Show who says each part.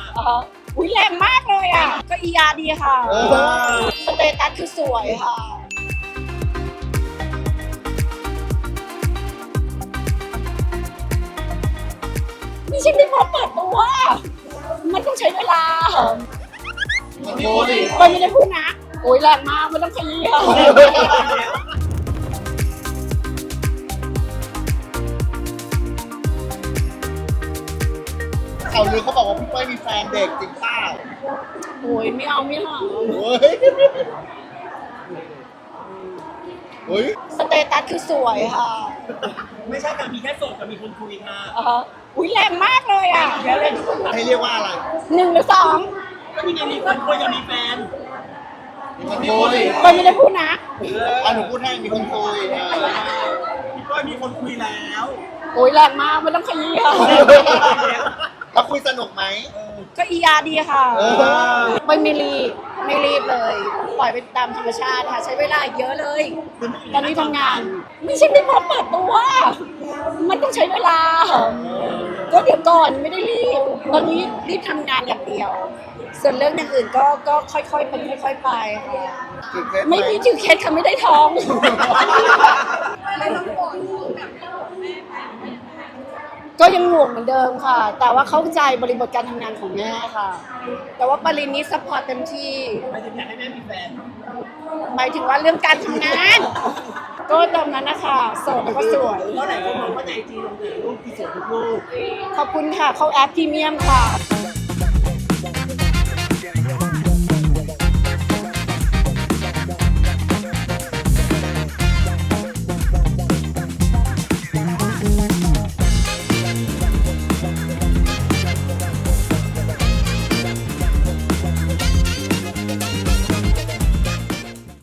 Speaker 1: อุ้ยแรงมากเลยอ่ะก็อีอาร์ดีค่ะสเตตัสคือสวยค่ะไม่ใช่ไม่พอเปิดตัวมันต้องใช้เวลาไม่ได้พูดนะโอ้ยแรงมากมันต้องขยี้ค่ะ
Speaker 2: เขาลือเขาบอกว่าพี่เป้ยมีแฟนเด็กจริงเปล่า
Speaker 1: โอ้ยไม่เอาไม่เอา
Speaker 2: เฮ้ยเฮ้ย
Speaker 1: สเตตัสคือสวยค่ะ
Speaker 3: ไม่ใช่การมีแค่โสดกับมีคนคุยค่ะ
Speaker 1: อุ้ยแรงมากเลยอ่ะ
Speaker 2: ให้เรียกว่าอะไร
Speaker 1: 1 หรือ
Speaker 3: ก็นี่ไงมีคนคุยกับมีแฟน
Speaker 2: มีคนคุย
Speaker 1: 2ไม่ได้พูดนะ
Speaker 2: หนูพูดให้มีคนคุย
Speaker 3: พี่ก้อยมีคนคุยแล้ว
Speaker 1: โอ้ยแรงมากมันต้องขยี้ค่ะ
Speaker 2: แล้วคุยสนุกไหม
Speaker 1: ก็อีอาร์ดีค่ะไม่รีบเลย ปล่อยไปตามธรรมชาติค่ะ ใช้เวลาอีกเยอะเลย ตอนนี้ทำงาน ไม่ใช่ไม่พร้อมเปิดตัว มันต้องใช้เวลา ก็เดี๋ยวก่อนไม่ได้รีบ ตอนนี้รีบทำงานอย่างเดียว ส่วนเรื่องอย่างอื่นก็ค่อยๆเป็นค่อยๆไปค่ะ
Speaker 2: ถือเคล็ดไหม
Speaker 1: ไม่มีถือเคสค่ะไม่ได้ท้อง ก็ยังห่วงเหมือนเดิมค่ะ แต่ว่าเข้าใจบริบทการทำงานของแม่ค่ะ แต่ว่าปรินนี้ซัพพอร์ตเต็มที่
Speaker 3: ไม่ถึงอยากให้แม่มีแฟน
Speaker 1: หมายถึงว่าเรื่องการทำงาน ก็ตามนั้นนะคะโสดแล้วก็สวย
Speaker 3: เพราะหลายคนมองว่าในไอจีลงแต่รูปที่สวยทุกรูป
Speaker 1: ขอบคุณค่ะ เข้าแอปพรีเมียมค่ะ